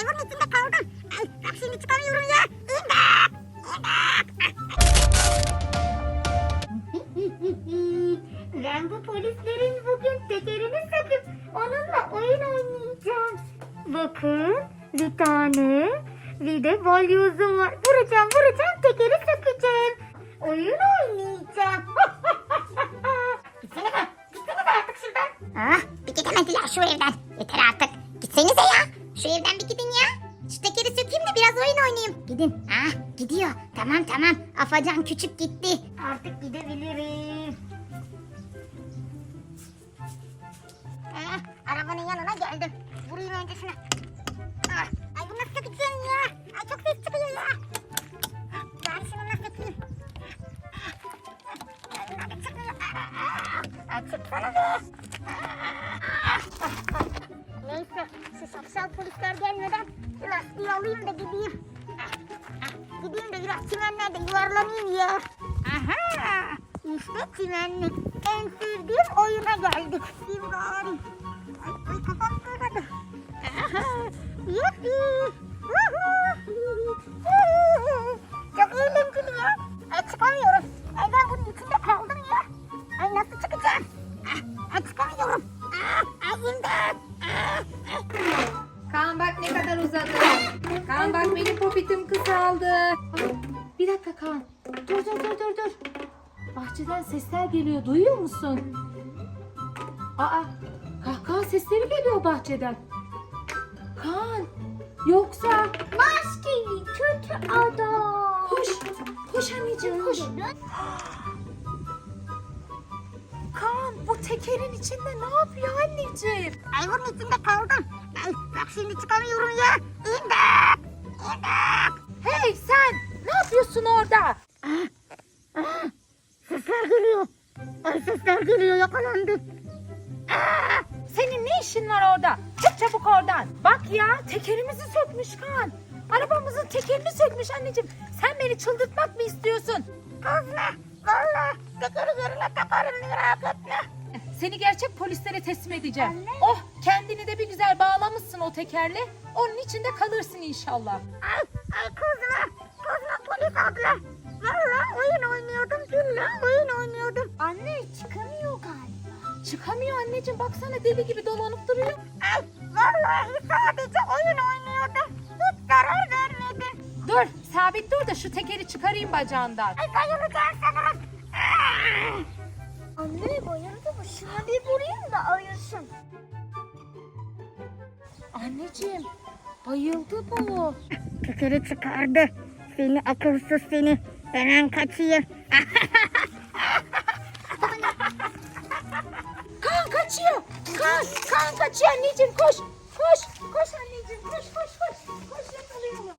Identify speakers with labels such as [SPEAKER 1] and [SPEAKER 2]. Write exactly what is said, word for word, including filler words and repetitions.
[SPEAKER 1] Ay bunun içinde kaldım. Ay bak şimdi çıkamıyorum ya. İmdat. İmdat. Ben bu polislerin bugün tekerini söküp onunla oyun oynayacağım. Bakın bir tane bir de balyozum var. Vuracağım vuracağım tekeri sökeceğim. Oyun oynayacağım. Gitsene be. Gitsene be artık şuradan. Ah bir gidemediler şu evden. Yeter artık. Gitsenize ya. Şu evden bir gidin ya. Şu tekeri sökeyim de biraz oyun oynayayım. Gidin. Ah gidiyor. Tamam tamam. Afacan küçük gitti. Artık gidebilirim. Ah, arabanın yanına geldim. Vurayım önce şuna. Ah, ay bu nasıl sökeceğim ya? Ay çok ses çıkıyor ya. Ben şununla sökeyim. Ay bunlar da çıkmıyor. Ay çıksana be. Neyse şu şapşal polisler gelmeden şu lastiği alayım da gideyim. Gideyim de biraz çimenlerde yuvarlanayım ya. Aha! İşte çimenlik. En sevdiğim oyuna geldik. Şimdi bari. Ay, ay kafam kırmadı. Aha! Yuppi! Çok eğlenceli ya. Ay çıkamıyorum. Ay ben bunun içinde kaldım ya. Ay nasıl çıkacağım? Ah, ay çıkamıyorum. Ah, ay imdat. Ah, ah.
[SPEAKER 2] Kaan bak ne kadar uzadı. Kaan bak benim popitim kısaldı. Aa, bir dakika Kaan. Dur dur dur dur dur. Bahçeden sesler geliyor. Duyuyor musun? Aa, kahkaha sesleri geliyor bahçeden. Kaan, yoksa
[SPEAKER 1] Maskeli kötü adam.
[SPEAKER 2] koş. Koş anneciğim koş. Kaan bu tekerin içinde ne yapıyor anneciğim?
[SPEAKER 1] Ay bunun içinde kaldım. Ay bak şimdi çıkamıyorum ya. İmdat. İmdat.
[SPEAKER 2] Hey sen ne yapıyorsun orada?
[SPEAKER 1] Ah, sesler geliyor. Ay sesler geliyor yakalandım. Ah,
[SPEAKER 2] Senin ne işin var orada? Çık çabuk oradan. Bak ya tekerimizi sökmüş Kaan. Arabamızın tekerini sökmüş anneciğim. Sen beni çıldırtmak mı istiyorsun?
[SPEAKER 1] kızma. Valla tekeri yerine takarım merak etme.
[SPEAKER 2] Seni gerçek polislere teslim edeceğim.
[SPEAKER 1] Anne.
[SPEAKER 2] Oh kendini de bir güzel bağlamışsın o tekerle. Onun içinde kalırsın inşallah.
[SPEAKER 1] Ay, ay kızma. Kızma polis abla. Valla oyun oynuyordum. Gülle oyun oynuyordum. Anne çıkamıyor galiba.
[SPEAKER 2] Çıkamıyor anneciğim baksana deli gibi dolanıp duruyor.
[SPEAKER 1] Ay vallahi sadece oyun oynuyordum. Hiç zarar vermedi.
[SPEAKER 2] Dur sabit dur da şu tekeri çıkarayım bacağından.
[SPEAKER 1] Ay bayılacağım sanırım. Ah! Anne bayıldı mı? Şuna bir vurayım da ayılsın.
[SPEAKER 2] Anneciğim bayıldı bu.
[SPEAKER 1] Tekeri çıkardı. Seni akılsız seni. Hemen kaçayım.
[SPEAKER 2] Kaan kaçıyor. Kaan, Kaan kaçıyor anneciğim koş. Koş. Koş anneciğim koş koş koş. Koş yakalayalım.